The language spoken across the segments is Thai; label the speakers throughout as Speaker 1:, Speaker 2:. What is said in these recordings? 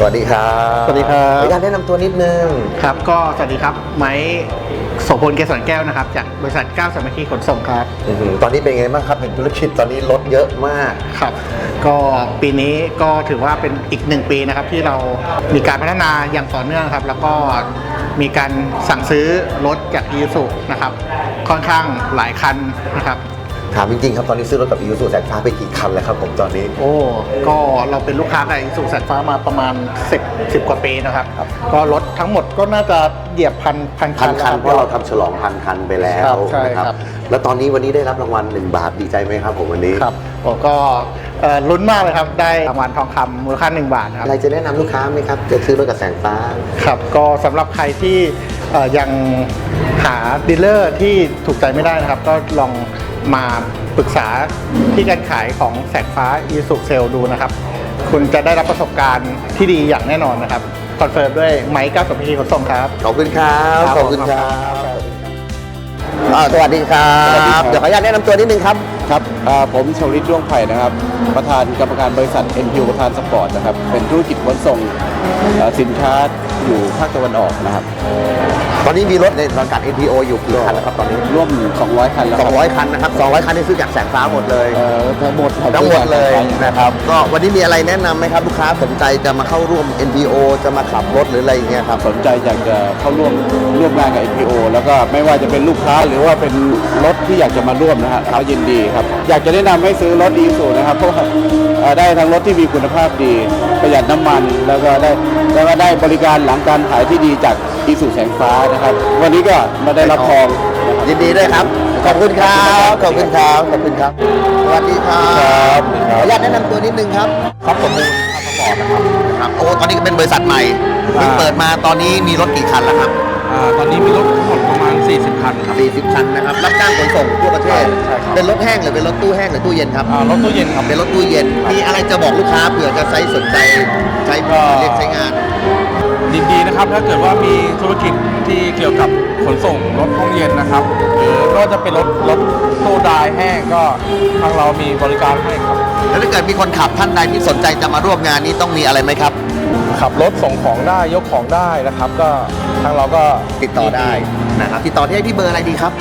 Speaker 1: วัสดีครับ
Speaker 2: สวัสดีครับ
Speaker 1: ขออนุญาตแนะนำตัวนิดนึง
Speaker 2: ครับก็สวัสดีครับไม้โสพลเกษรแก้วนะครับจากบริษัทก้าวสามัคคีขนส่งครับ
Speaker 1: ตอนนี้เป็นไงบ้างครับเห็นธุรกิจตอนนี้ลดเยอะมาก
Speaker 2: ครับก็ปีนี้ก็ถือว่าเป็นอีก1 ปีนะครับที่เรามีการพัฒนาอย่างต่อเนื่องครับแล้วก็มีการสั่งซื้อรถจากอีซูนะครับค่อนข้างหลายคันนะครับ
Speaker 1: ถามจริงๆครับตอนนี้ซื้อรถกับอีซูแสงฟ้าไปกี่คันแล้วครับผมตอนนี้
Speaker 2: ก็เราเป็นลูกค้ากับอีซูแสงฟ้ามาประมาณ10 กว่าปีนะครับก็รถทั้งหมดก็น่าจะเหยียบพันคัน
Speaker 1: เพราะเราทำฉลอง1,000 คันไปแล้วนะครับแล้วตอนนี้วันนี้ได้รับรางวัล1 บาทดีใจไหมครับผมวันนี้
Speaker 2: ครับผมก็ลุ้นมากเลยครับได้รางวัลทองคำมูลค่า1 บาทครับ
Speaker 1: อะไรจะแนะนำลูกค้าไหมครับจะซื้อรถกับแสงฟ้า
Speaker 2: ครับก็สำหรับใครที่ยังหาดีลเลอร์ที่ถูกใจไม่ได้นะครับก็ลองมาปรึกษาที่การขายของแสงฟ้าอีซูเซลดูนะครับคุณจะได้รับประสบการณ์ที่ดีอย่างแน่นอนนะครับคอนเฟิร์มด้วยไมค์ก้าวสามัคคีขนส่งครับ
Speaker 1: ขอบคุณครับขอบคุณครับสวัสดีครับเดี๋ยวขออนุญาตแนะนำตัวนิดนึงครับ
Speaker 3: ครับผมชวลิตร่วงไผ่นะครับประธานกรรมการบริษัท NPU ประธานสปอร์ตนะครับเป็นธุรกิจขนส่งสินค้าอยู่ภาคตะวันออกนะครับ
Speaker 1: ตอนนี้มีรถในสังกัด NPO อยู่กี่คันแล้วครับตอนนี้
Speaker 3: ร่วม200 คันแล้ว
Speaker 1: 200 คันนะครับ200 คันที่ซื้อจากแสงฟ้าหมดเลย
Speaker 3: ทั้งหมด
Speaker 1: เลยนะครับก็วันนี้มีอะไรแนะนำไหมครับลูกค้าสนใจจะมาเข้าร่วม NPO จะมาขับรถหรืออะไรอย่างเงี้ยครับ
Speaker 3: สนใจอยากจะเข้าร่วมงานกับ NPO แล้วก็ไม่ว่าจะเป็นลูกค้าหรือว่าเป็นรถที่อยากจะมาร่วมนะฮะเขายินดีครับอยากจะแนะนำให้ซื้อรถอีซูนะครับเพราะว่าได้ทั้งรถที่มีคุณภาพดีประหยัดน้ำมันแล้วก็ได้บริการหลังการขายที่ดีจากอีซูแสงฟ้านะครับวันนี้ก็มาได้รับทอง
Speaker 1: ยินดีด้วยครับขอบคุณครับขอบคุณครับขอบคุณครับสวัสดีครับขออนุญาตแนะนำตัวนิดนึงครับครับผมมูลสปอร์ตนะครับตอนนี้เป็นบริษัทใหม่เพิ่งเปิดมาตอนนี้มีรถกี่คันแล้วครับ
Speaker 3: ตอนนี้มีรถทั้งหมดประมาณ40 คันครับ
Speaker 1: 40 คันนะครับรับจ้างขนส่งทั่วประเทศเป็นรถแห้งหรือเป็นรถตู้แห้งหรือตู้เย็นครับ
Speaker 3: รถตู้เย็นครับ
Speaker 1: เป็นรถตู้เย็นมีอะไรจะบอกลูกค้าเผื่อจะสนใจใช้เรียกใช้งาน
Speaker 3: ยินดีนะครับถ้าเกิดว่ามีธุรกิจที่เกี่ยวกับขนส่งรถห้องเย็นนะครับหรือก็จะเป็นรถตู้ดายแห้งก็ทางเรามีบริการให้ครับ
Speaker 1: แล้วถ้าเกิดมีคนขับท่านใดที่สนใจจะมาร่วมงานนี้ต้องมีอะไรไหมครับ
Speaker 3: ขับรถส่งของได้ยกของได้นะครับก็ทางเราก็
Speaker 1: ติดต่อได้นะครับติดต่อที่เบอร์อะไรดีครับ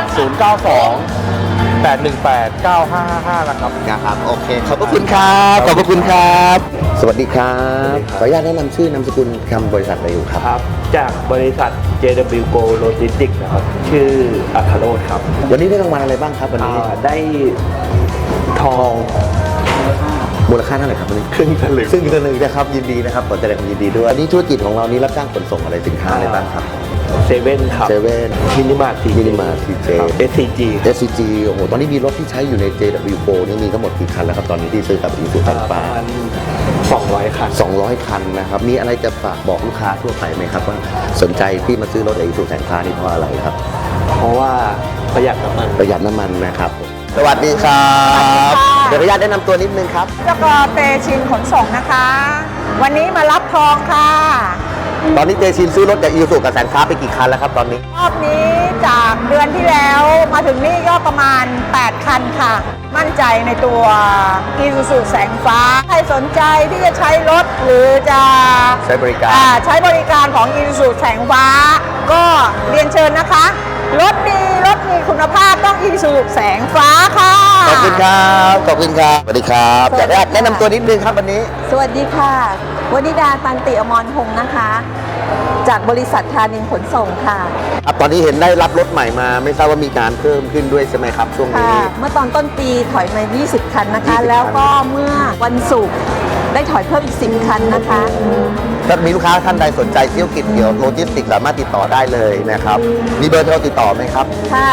Speaker 3: 092-818-9555
Speaker 1: นะครับโอเคขอบพระคุณครับขอบพระคุณครับสวัสดีครับขออนุญาตแนะนำชื่อนามสกุลคำบริษัทอะไรอยู่ครับ
Speaker 4: จากบริษัท JW Go Logistics นะครับชื่ออัครโรจน์ครับ
Speaker 1: วันนี้ได้รางวัลอะไรบ้างครับวันนี้
Speaker 4: ได้ทอง
Speaker 1: มูลค่าเท่าไหร่ครับวันนี้ครึ่งสลึงนะครับยินดีนะครับขอแสดงความยินดีด้วยอันนี้ธุรกิจของเรานี้รับจ้างขนส่งอะไรสินค้าอะไรบ้างครับ
Speaker 4: เซเว่นครับมินิมาร์ท
Speaker 1: CJ SCG โอ้โหตอนนี้มีรถที่ใช้อยู่ใน JW Go นี่มีทั้งหมดกี่คันแล้วครับตอนนี้ที่ซื้อกับอีซูแสงฟ้า
Speaker 4: 200 คัน
Speaker 1: 200 คันนะครับมีอะไรจะฝากบอกลูกค้าทั่วไปไหมครับว่าสนใจที่มาซื้อรถอีซูแสงฟ้านี่เพราะอะไรครับ
Speaker 4: เพราะว่าประหยัดน้ำ
Speaker 1: มันนะครับสวัสดีครับเดี๋ยวขออนุญาตแนะนำตัวนิดนึงครับ
Speaker 5: เจ้ากอเตชินขนส่งนะคะวันนี้มารับทองค่ะ
Speaker 1: ตอนนี้เตชินซื้อรถจากอีซูกับแสงฟ้าไปกี่คันแล้วครับตอนนี้
Speaker 5: รอบนี้จากเดือนที่แล้วมาถึงนี่ก็ประมาณ8 คันค่ะมั่นใจในตัวอีซูแสงฟ้าใครสนใจที่จะใช้รถหรือจะ
Speaker 1: ใช้บริ
Speaker 5: การของอีซูแสงฟ้าก็เรียนเชิญนะคะรถดีรถมีคุณภาพต้องอีซูแสงฟ้าค่ะ
Speaker 1: ขอบคุณครับสวัสดีครับอยากได้แนะนำตัวนิดนึงครับวันนี้
Speaker 6: สวัสดีค่ะวนิดาตันติอมรพงศ์นะคะจากบริษัทธานินขนส่งค่ะ
Speaker 1: ตอนนี้เห็นได้รับรถใหม่มาไม่ทราบว่ามีการเพิ่มขึ้นด้วยใช่ไหมครับช่วงนี้
Speaker 6: เมื่อตอนต้นปีถอยมา20 คันนะคะแล้วก็เมื่อวันศุกร์ได้ถอยเพิ่มอีก10 คันนะคะ
Speaker 1: ถ้ามีลูกค้าท่านใดสนใจเที่ยวกิจเกี่ยวโลจิสติกสามารถติดต่อได้เลยนะครับมีเบอร์โทรติดต่อไหมครับ
Speaker 6: ค่ะ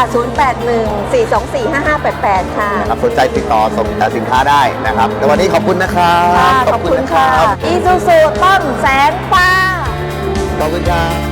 Speaker 6: 0814245588ค่ะ
Speaker 1: ครับสนใจติดต่อส่งสินค้าได้นะครับแต่วันนี้ขอบคุณนะครับ
Speaker 6: ขอบคุณค่ะอีซูซูต้นแสงฟ้า
Speaker 1: ขอบคุณครับ